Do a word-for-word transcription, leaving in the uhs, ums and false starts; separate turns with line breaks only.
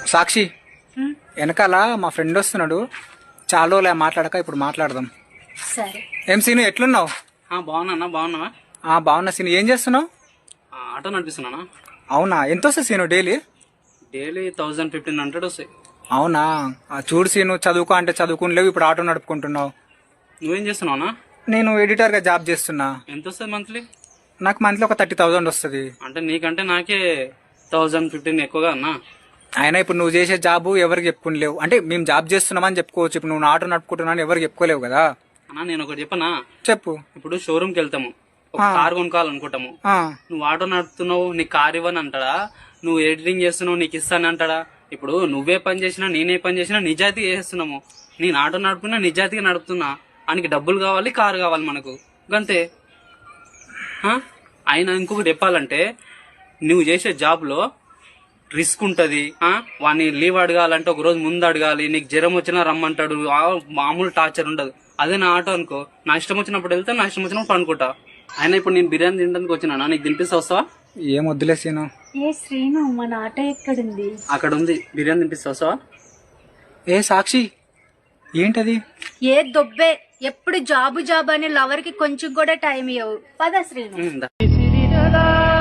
సాక్షి వెనకాల మా ఫ్రెండ్ వస్తున్నాడు, చాలా రోజులే మాట్లాడక, ఇప్పుడు మాట్లాడదాం.
సరే.
ఏం సీను, ఎట్లున్నావు?
బాగున్నా. బాగున్నావా?
బాగున్నా సీను. ఏం చేస్తున్నావు?
ఆటో నడిపిస్తున్నానా.
అవునా, ఎంత వస్తుంది Seenu daily?
Daily thousand fifteen hundred వస్తాయి.
అవునా, చూడు సీను, చదువుకో అంటే చదువుకునిలేవు, ఇప్పుడు ఆటో నడుపుకుంటున్నావు.
నువ్వేం చేస్తున్నావునా?
నేను ఎడిటర్గా జాబ్ చేస్తున్నా.
ఎంత వస్తుంది మంత్లీ?
నాకు మంత్లీ ఒక థర్టీ థౌసండ్ వస్తుంది.
అంటే నీకంటే నాకే థౌజండ్ ఫిఫ్టీన్ ఎక్కువగా అన్నా.
అయినా ఇప్పుడు నువ్వు చేసే జాబ్ ఎవరికి చెప్పుకోలేవు. అంటే మేము జాబ్ చేస్తున్నామని చెప్పుకోవచ్చు, ఇప్పుడు నువ్వు ఆటో నడుపుకుంటున్నావు ఎవరికి చెప్పుకోలేవు కదా.
అన్నా నేను ఒకటి చెప్పనా?
చెప్పు.
ఇప్పుడు షోరూమ్కి వెళ్తాము, ఒక కార్ కొనుక్కోవాలనుకుంటాము. నువ్వు ఆటో నడుపుతున్నావు, నీకు కార్ ఇవ్వని అంటాడా? నువ్వు ఎడిటింగ్ చేస్తున్నావు, నీకు ఇస్తాను అంటాడా? ఇప్పుడు నువ్వే పని చేసినా నేనే పని చేసినా నిజాయితీగా చేస్తున్నాము. నేను ఆటో నడుపుతున్నా, నిజాయితీగా నడుపుతున్నా. ఆయనకి డబ్బులు కావాలి, కారు కావాలి మనకు, గంతే. ఆయన ఇంకొకటి చెప్పాలంటే, నువ్వు చేసే జాబ్లో రిస్క్ ఉంటుంది. వాడిని లీవ్ అడగాలంటే ఒక రోజు ముందు అడగాలి. నీకు జ్వరం వచ్చినా రమ్మంటాడు, మామూలు టార్చర్ ఉండదు. అదే నా ఆటో అనుకో, నా ఇష్టం వచ్చినప్పుడు వెళ్తే నా ఇష్టం వచ్చినప్పుడు పనుకుంటా. అయినా ఇప్పుడు నేను బిర్యానీ తినడానికి వచ్చినా, నీకు తినిపిస్తా, వస్తావా?
ఏం వద్దులే సీను.
ఏ శ్రీను, మన ఆటో ఎక్కడుంది?
అక్కడ ఉంది, బిర్యానీ తినిపిస్తా, వస్తావా?
ఏ సాక్షి, ఏంటది?
ఏ దొబ్బే, ఎప్పుడు జాబు జాబ్ అని లవర్ కి కొంచెం కూడా టైం ఇవ్వవు. పద శ్రీను.
దా.